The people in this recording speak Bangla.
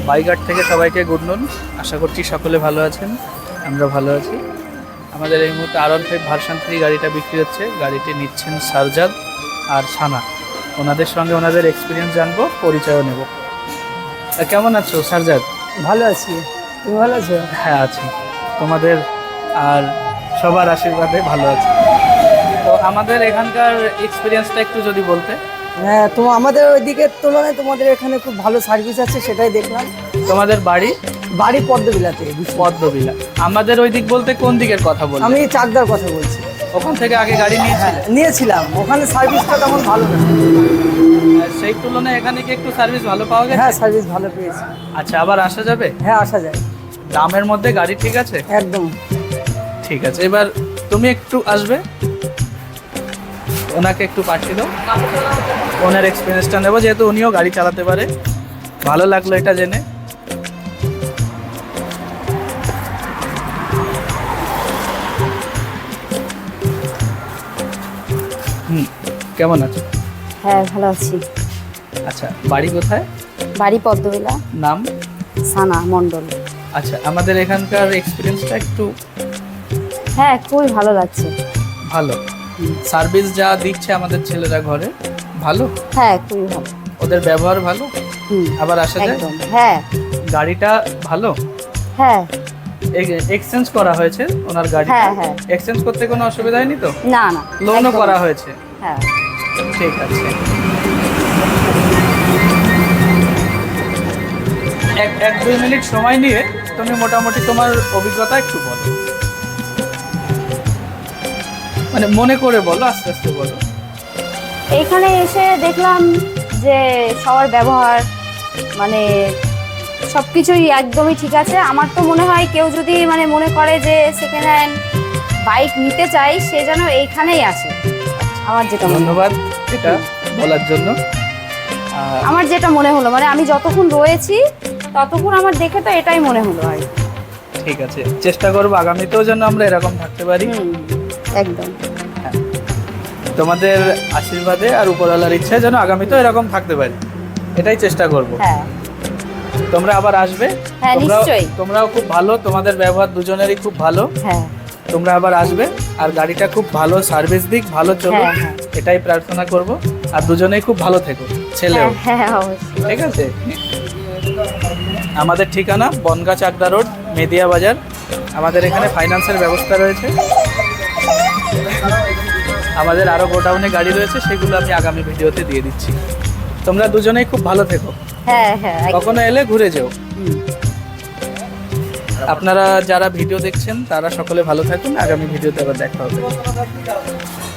বাইঘাট থেকে সবাইকে গুড নুন। আশা করছি সকলে ভালো আছেন, আমরা ভালো আছি। আমাদের এই মুহূর্তে R15 ভার্সন 3 গাড়িটা বিক্রি হচ্ছে। গাড়িটি নিচ্ছেন সারজাদ আর সানা। ওনাদের সঙ্গে ওনাদের এক্সপিরিয়েন্স জানবো, পরিচয়ও নেব। কেমন আছো সারজাদ? ভালো আছি, তুমি ভালো আছো? হ্যাঁ আছি, তোমাদের আর সবার আশীর্বাদে ভালো আছি। তো আমাদের এখানকার এক্সপিরিয়েন্সটা একটু যদি বলতে। হ্যাঁ, তো আমাদের ওইদিকের তুলনায় তোমাদের এখানে খুব ভালো সার্ভিস আছে, সেটাই দেখলাম। তোমাদের বাড়ি? বাড়ি পদ্মবিলাতে। পদ্মবিলা। আমাদের ওই দিক বলতে কোন দিকের কথা বল? আমি চাকদার কথা বলছি। ওখান থেকে আগে গাড়ি নিয়েছিলে? নিয়েছিলাম, ওখানে সার্ভিসটা তেমন ভালো না। সেই তুলনায় এখানে কি একটু সার্ভিস ভালো পাওয়া গেছে? হ্যাঁ, সার্ভিস ভালো পেয়েছি। আচ্ছা, আবার আসা যাবে? হ্যাঁ, আসা যায়। দামের মধ্যে গাড়ি ঠিক আছে? একদম ঠিক আছে। এবার তুমি একটু আসবে, ওনাকে একটু পাঠিয়ে দাও, ওনার এক্সপিরিয়েন্সটা নেবো, যেহেতু উনিও গাড়ি চালাতে পারে। ভালো লাগলো এটা জেনে। কেমন আছো? হ্যাঁ, ভালো আছি। আচ্ছা, বাড়ি কোথায়? বাড়ি পদ্মবিলা। নাম? সানা মণ্ডল। আচ্ছা, আমাদের এখানকার এক্সপিরিয়েন্সটা একটু। হ্যাঁ, খুবই ভালো লাগছে। ভালো সার্ভিস যা দিচ্ছে আমাদের ছেলেরা ঘরে, ভালো। হ্যাঁ, খুবই ভালো। ওদের ব্যবহার ভালো। আবার আসা যায়? একদম। হ্যাঁ। গাড়িটা ভালো। হ্যাঁ। এক্সচেঞ্জ করা হয়েছে ওনার গাড়ি? হ্যাঁ হ্যাঁ। এক্সচেঞ্জ করতে কোনো অসুবিধা হয়নি তো? না না, লোনও একদম। করা হয়েছে? হ্যাঁ। ঠিক আছে। এক 2 মিনিট সময় নিয়ে তুমি মোটামুটি তোমার অভিজ্ঞতা একটু বলো, মানে মনে করে বলো, আস্তে আস্তে বলো। এইখানে এসে দেখলাম যে সবার ব্যবহার মানে সব কিছুই একদমই ঠিক আছে। আমার তো মনে হয় কেউ যদি মানে মনে করে যে সেকেন্ড হ্যান্ড বাইক নিতে চাই, সে যেন এইখানেই আসে। আমার যেটা ধন্যবাদ এটা বলার জন্য। আমার যেটা মনে হলো, মানে আমি যতক্ষণ রয়েছি ততক্ষণ আমার দেখে তো এটাই মনে হলো। আর ঠিক আছে, চেষ্টা করবো আগামীতেও যেন আমরা এরকম থাকতে পারি। একদম। হ্যাঁ, তোমাদের আশীর্বাদে আর উপরওয়ালার ইচ্ছায় যেন আগামীতেও এরকম থাকতে পারি, এটাই চেষ্টা করব। হ্যাঁ, তোমরা আবার আসবে। হ্যাঁ নিশ্চয়ই। তোমরাও খুব ভালো, তোমাদের ব্যবহার দুজনেরই খুব ভালো। হ্যাঁ, তোমরা আবার আসবে, আর গাড়িটা খুব ভালো সার্ভিস দিক, ভালো চলো, হ্যাঁ, হ্যাঁ। এটাই প্রার্থনা করব। আর দুজনেই খুব ভালো থেকো, ছেলেও। হ্যাঁ হ্যাঁ, অবশ্যই। ঠিক আছে। আমাদের ঠিকানা বনগাঁ চাকদা রোড, মেদিয়া বাজার। আমাদের এখানে ফাইন্যান্সের ব্যবস্থা রয়েছে। আমাদের আরও গোডাউনে গাড়ি রয়েছে, সেগুলো আমি আগামী ভিডিওতে দিয়ে দিচ্ছি। তোমরা দুজনেই খুব ভালো থেকো। হ্যাঁ হ্যাঁ, একদম। কখনো এলে ঘুরে যেও। হুম। আপনারা যারা ভিডিও দেখছেন তারা সকলে ভালো থাকুন। আগামী ভিডিওতে আবার দেখা হবে।